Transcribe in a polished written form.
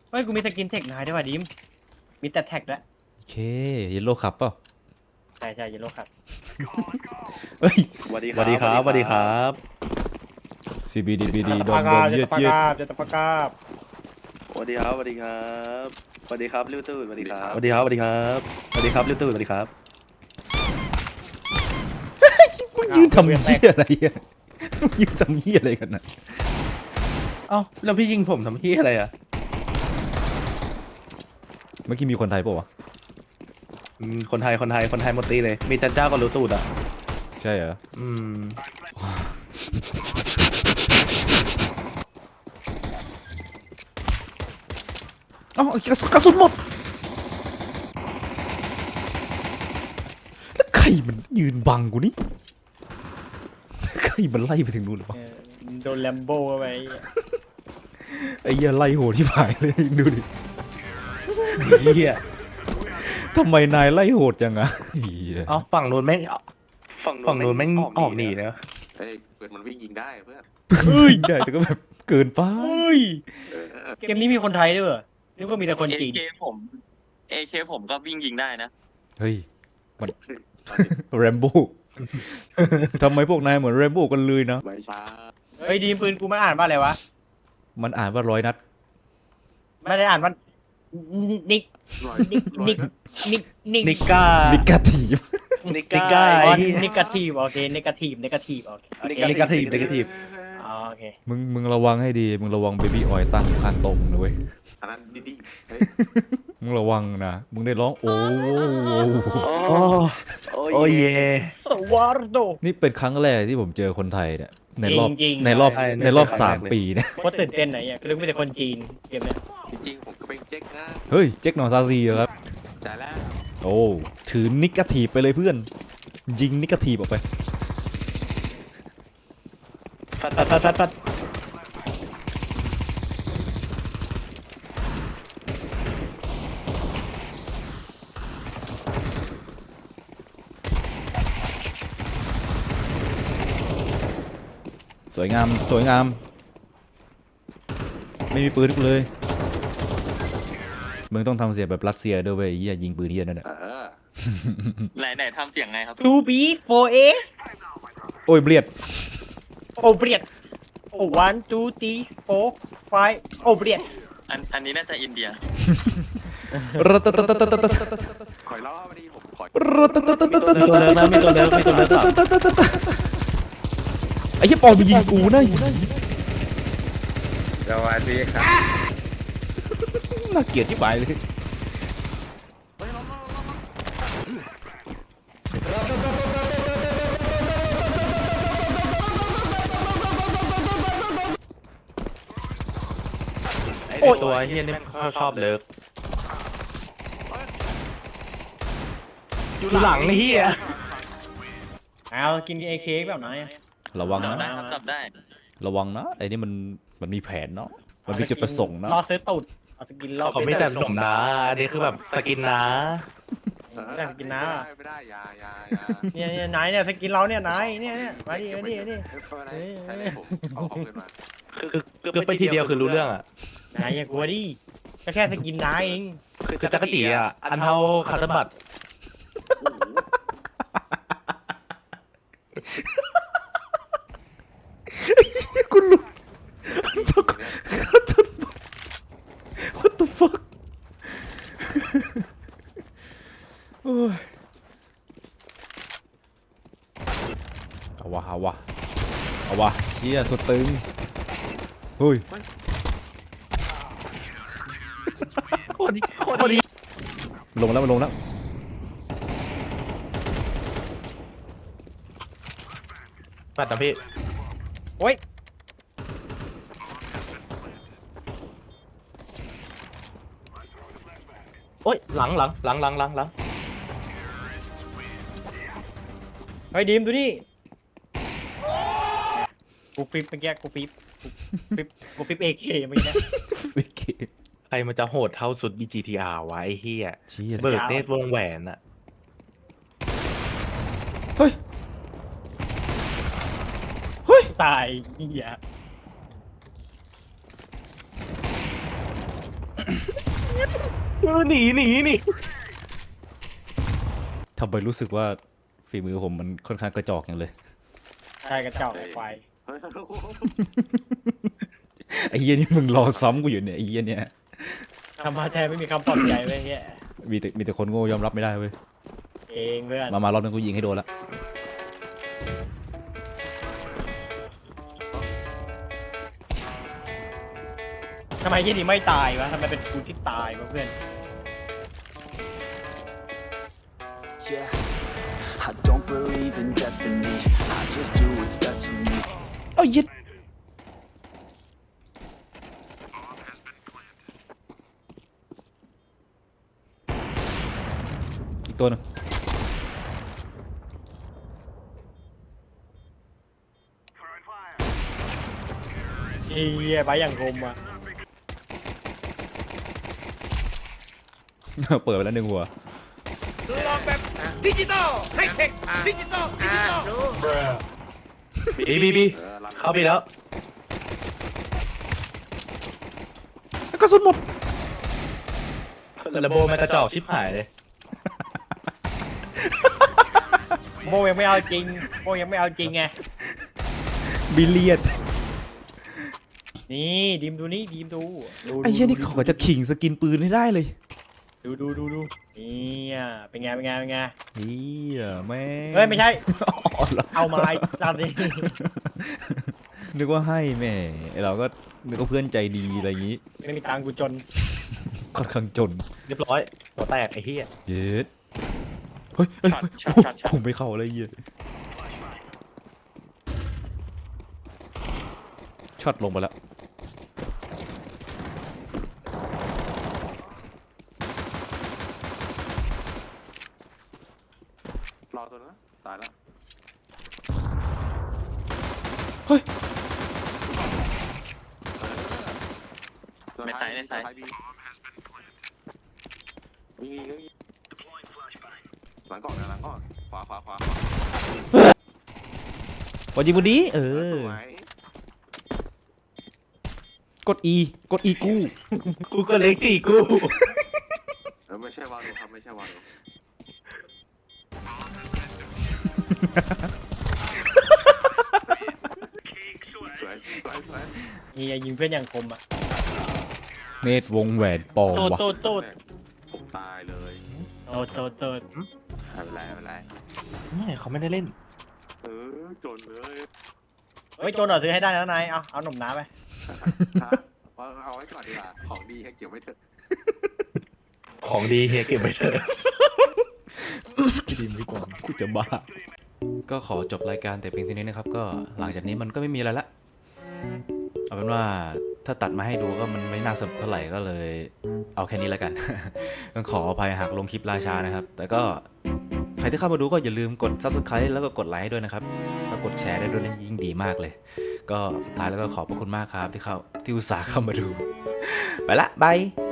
เฮ้ยกูมีสกินเทคนายด้วยว่ะดิมมีแต่แท็กด้วยโอเคเยลโล่คับเปล่าใช่เยลโล่ครับเฮ้ยสวัสดีครับสวัสดีครับ CBDBD ดอมเย็ดจะตะปากาบสวัสดีครับสวัสดีครับสวัสดีครับลิวตู้สวัสดีครับสวัสดีครับสวัสดีครับสวัสดีครับลิวตู้สวัสดีครับมึงยืนทำเหี้ยอะไรอ่ะมึงยืนทำเหี้ยอะไรกันน่ะเอ้าแล้วพี่ยิงผมทำที่อะไรอ่ะเมื่อกี้มีคนไทยเปล่าวะคนไทยหมดตีเลยมีจันเจ้ากับลิวตู้อ่ะใช่เหรอเอ้ากระสุนหมดแล้วใครมันยืนบังกูนี่ใครมันไล่ไปถึงนู่นหรือเปล่าโดนแลมโบ้เข้าไปไอ้เหี้ยไล่โหดที่ผายเลยดูดิเฮียทำไมนายไล่โหดจังอะเหี้ยเอ้าฝั่งนู้นแม่งออกหนีเลยเฮ้ยเพื่อนมันวิ่งยิงได้เพื่อนได้แต่ก็แบบเกินไปเฮ้ยเกมนี้มีคนไทยด้วยเหรอนึกว่ามีแต่คนจีน AK ผมก็วิ่งยิงได้นะเฮ้ยมันแรมโบ้ทำไมพวกนายเหมือนแรมโบ้กันเลยนะไม่ใช่เฮ้ยดีมปืนกูมันอ่านว่าอะไรวะมันอ่านว่า100 นัดไม่ได้อ่านว่านิกร้อยนิก้านิกาทีฟนิก้าอ๋อไอ้นิกาทีฟโอเคนิกาทีฟโอเคโอเคนิกาทีฟอ๋อโอเคมึงระวังให้ดีมึงระวังเบบี้ออยตั้งข้างตรงนะเว้ยอันนั้นดีเฮ้ยมึงระวังนะมึงได้ร้องโอ้โอ้ยเย่สวาร์โดนี่เป็นครั้งแรกที่ผมเจอคนไทยเนี่ยในรอบจริงๆในรอบใช่ในรอบในครั้งแรกเลย 3 ปีเนี่ยโคตรตื่นเต้นไหนอ่ะคือนึกว่ามีแต่คนจีนเกมเนี้ยจริงๆผมก็เป็นเจ๊กนะเฮ้ยเจ๊กหนองซาซีเหรอครับจ่ายแล้วโอ้ถือนิกาทีฟไปเลยเพื่อนยิงนิกาทีฟออกไปฟัดสวยงามสวยงามไม่มีปืนกูเลยมึงต้องทำเสียงแบบรัสเซียด้วยเว้ยไอ้เหี้ยยิงปืนเหี้ยนั่นแหละไหนทำเสียงไงครับทูบีโฟเอโอ้ยเบียดโอเบียดโอวันทูตีโฟไฟโอเบียดอันนี้น่าจะอินเดียรัตตตตตตตคอยล้อมาดีผมคอยรัตตตตตตตไอ้เหี้ยปอนมันยิงกูนะสวัสดีครับน่าเกลียดที่ปลายเลยไอ้ตัวเฮียนี่ชอบเลิกอยู่หลังเฮียเอากินเอเคแบบไหนระวังจับนะได้ครับจับได้ระวังนะไอ้นี่มันมีแผนเนาะมันมีจุดประสงค์นะรอซื้อตูดเอาสกินรอเขาไม่แต่สมนะอันนี้คือแบบสกินนะแต่สกินน้าไม่ได้ยาเนี่ยไหนเนี่ยสกินเราเนี่ยไหนเนี่ยมาดิมาดิมาดิใช่เลยผมเอาเงินมาคือไปทีเดียวคือรู้เรื่องอ่ะไหนอย่ากลัวดิก็แค่สกินน้าเองคือจักรจีอ่ะอันเท่าคาร์บัตกูหลุด What the fuck โอ้ยเอาวะเฮียสุดตึงเฮ้ยโคตรดีลงแล้วมันลงแล้วปัดนะพี่โอ้ยโอ้ยหลังเฮ้ยดีมดูดิกูฟิปเมื่อกี้กูฟิปเอเคเมื่อกี้วิกกี้ใครมันจะโหดเท่าสุด BGTR วะไอ้เฮียเชี่ยเบิร์ดเนตวงแหวนอะเฮ้ยตายเหี้ยหนีทำไมรู้สึกว่าฝีมือผมมันค่อนข้างกระจอกอย่างเลยใช่กระเจ้าไฟเฮ้ยไอ้เหี้ยนี่มึงรอซ้ำกูอยู่เนี่ยไอ้เหี้ยเนี่ยทำมาแทนไม่มีคำปลอบใจเลยเงี้ยมีแต่คนโง่ยอมรับไม่ได้เว้ยเองเพื่อนมารอบนึงกูยิงให้โดนละทำไมยี่นี่ไม่ตายวะทำไมเป็นกูที่ตายวะเพื่อน Yeah, I don't believe in destiny. I just do what's best for me. เอ้ายิดอีกตัวหนึงเฮียไปอย่างคมอ่ะเปิดไปแล้วหนึ่งหัวบีรันเข้าไปแล้วกระสุนหมดระโบมันกระจอกชิบหายเลยโบยังไม่เอาจริงโบยังไม่เอาจริงไงบิลเลียดนี่ดีมดูนี่ดีมดูไอ้เหี้ยนี่ขอจะขิงสกินปืนให้ได้เลยดูนี่เป็นไงเฮียแม่งเฮ้ยไม่ใช่อ๋อเหรอเอาไม้ตามนี้นึกว่าให้แม่ไอ้เราก็นึกว่าเพื่อนใจดีอะไรอย่างงี้ไม่มีตังค์กูจนค่อนข้างจนเรียบร้อยหัวแตกไอ้เหี้ยเย็ดเฮ้ยเฮ้ยช็อตช็อตช็อตผมไม่เข้าเลยเหี้ยช็อตลงไปแล้วรอตัวนะตายแล้วเฮ้ยในไซส์ในไซส์บีมีก็มีหลังก่อนนะหลังก่อนขวาพอยิงบุดีเอสอวยกด E กด E กู้กูก็เล็กสี่กูไม่ใช่วาโลครับไม่ใช่วาโลสวยนี่ยิงเพื่อนอย่างคมอ่ะเนตวงแหวนปอมวะโตดผมตายเลยไม่ไม่เป็นไรไม่เขาไม่ได้เล่นจนเลยเฮ้ยโจนหน่อยซื้อให้ได้แล้วนายเอาหนุ่มน้ำไปเอาไว้ก่อนดีกว่าของดีให้เกี่ยวไม่เถอะของดีเฮียเก็บไว้เถอะดีไม่ก่อนกูจะบ้า ก็ขอจบรายการแต่เพียงเท่านี้นะครับ ก็หลังจากนี้มันก็ไม่มีอะไรละ เอาเป็นว่าถ้าตัดมาให้ดูก็มันไม่น่าสนุกเท่าไหร่ก็เลย เอาแค่นี้แล้วกัน ต้องขออภัยหากลงคลิปราชานะครับ แต่ก็ใครที่เข้ามาดูก็อย่าลืมกด Subscribe แล้วก็กดไลค์ด้วยนะครับถ้ากดแชร์ได้ด้วยนั่นยิ่งดีมากเลย ก็สุดท้ายแล้วก็ขอบพระคุณมากครับที่อุตส่าห์เข้ามาดู ไปละบาย